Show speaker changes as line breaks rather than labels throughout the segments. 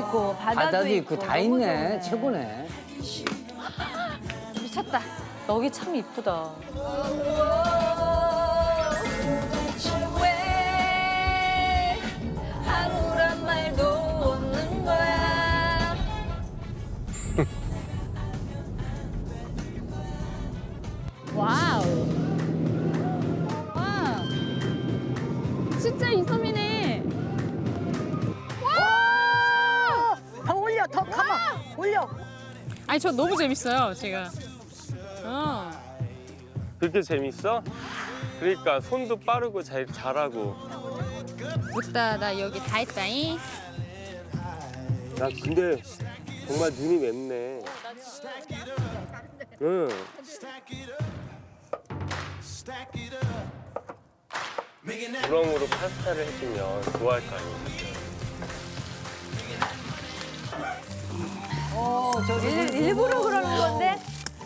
있고 바다도 있고
다
너무
있네.
좋네.
최고네.
미쳤다. 여기 참 이쁘다. 왜 아무런 말도 없는 거야? 와우. 와. 진짜 이섬이네. 와!
더 올려, 더 가만, 올려.
아니 저 너무 재밌어요 제가.
그렇게 재밌어? 그러니까 손도 빠르고 잘하고.
웃다 나 여기 다 했다잉.
나 근데 정말 눈이 맵네. 응. 우렁으로 파스타를 해주면 좋아할 거 아니야.
일부러 그러는 건데?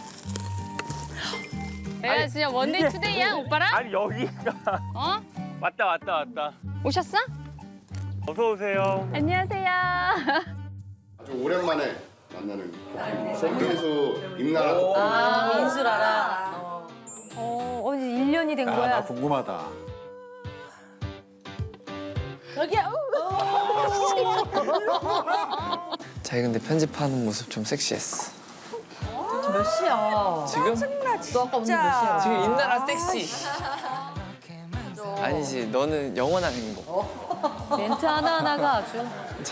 내가 진짜 원데이 투데이야 오빠랑?
아니 여기가
어?
왔다.
오셨어?
어서 오세요.
안녕하세요.
아주 오랜만에 만나는 손민수 임나라
아, 민수라라. 어디 1년이 된 거야?
나 궁금하다.
자기 근데 편집하는 모습 좀 섹시했어.
몇 시야?
지금?
너 아까 오늘 몇 시야?
지금 인나라 섹시. 아니지, 너는 영원한 행복.
멘트 하나하나가 아주.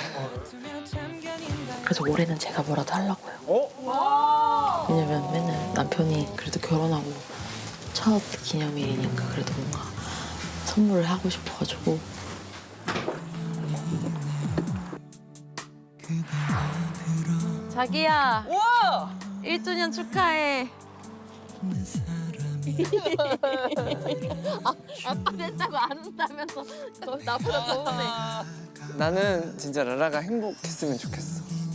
그래서 올해는 제가 뭐라도 하려고요. 왜냐면 맨날 남편이 그래도 결혼하고 첫 기념일이니까 그래도 뭔가 선물을 하고 싶어가지고.
자기야. 와! 1주년 축하해. 아빠 됐다고 안 웃다면서 나보다 더 웃네.
나는 진짜 라라가 행복했으면 좋겠어.